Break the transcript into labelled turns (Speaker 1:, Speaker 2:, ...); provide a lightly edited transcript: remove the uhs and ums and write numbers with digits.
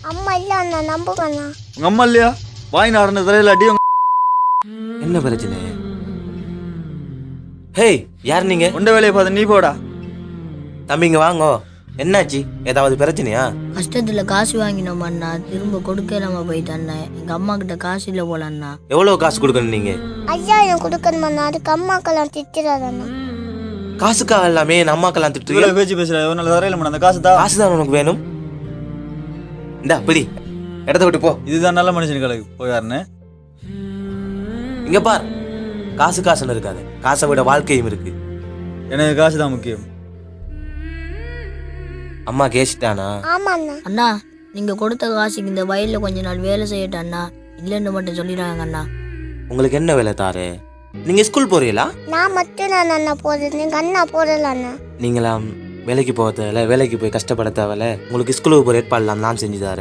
Speaker 1: அம்மா இல்ல அண்ணா நம்புங்க அண்ணா.
Speaker 2: உங்க அம்மா இல்லையா? வாய் நாடுன தலையில அடி.
Speaker 3: என்ன பிரச்சனை? ஹேய், யார் நீங்க?
Speaker 2: உண்ட வேலையை பார்த்து நீ போடா.
Speaker 3: தம்பிங்க வாங்கோ. என்னாச்சு? ஏதாவது பிரச்சனையா?
Speaker 4: கஷ்டத்துல காசு வாங்கினோம் அண்ணா, திரும்ப கொடுக்க இல்லாம போயிட்டண்ணா. எங்க அம்மா கிட்ட காசு இல்ல போல அண்ணா.
Speaker 3: எவ்வளவு காசு கொடுக்கணும் நீங்க?
Speaker 1: 5000 கொடுக்கணும் அண்ணா. அதுக்கு அம்மாக்கெல்லாம் திட்டுறாரு அண்ணா.
Speaker 3: காசுக்காக எல்லாமே என் அம்மாக்கெல்லாம் திட்டுறீங்க.
Speaker 2: இவ்வளவு பேச்சு பேசுற ஒரு நாள் தரையில அந்த காசு தான்.
Speaker 3: காசு தான் உனக்கு வேணும். இந்தா பிடி, இடத்த விட்டு போ.
Speaker 2: இதுதான் நல்ல மனுஷனுக்கு போயாருன்னு.
Speaker 3: இங்க பார், காசுன்னு இருக்காது, காசை விட வாழ்க்கையும் இருக்கு.
Speaker 2: எனக்கு காசு தான் முக்கியம்.
Speaker 3: அம்மா கேசிட்டானா?
Speaker 1: ஆமா அண்ணா.
Speaker 4: அண்ணா, நீங்க கொடுத்த காசுக்கு இந்த வயல்ல கொஞ்ச நாள் வேலை செய்யட்டும் அண்ணா. இல்லைன்னு மட்டும் சொல்லிடுறாங்க அண்ணா.
Speaker 3: உங்களுக்கு என்ன வேலை தாரு? நீங்க ஸ்கூல் போறீங்களா?
Speaker 1: நான் மட்டும் தான் அண்ணா போறது, நீங்க அண்ணா போடல அண்ணா.
Speaker 3: நீங்களாம் வேலைக்கு போக தேவையில்ல, வேலைக்கு போய் கஷ்டப்பட தேவையில்ல. உங்களுக்கு ஸ்கூலுக்கு போய் ஏற்பாடுலாம் நான் செஞ்சு தரேன்.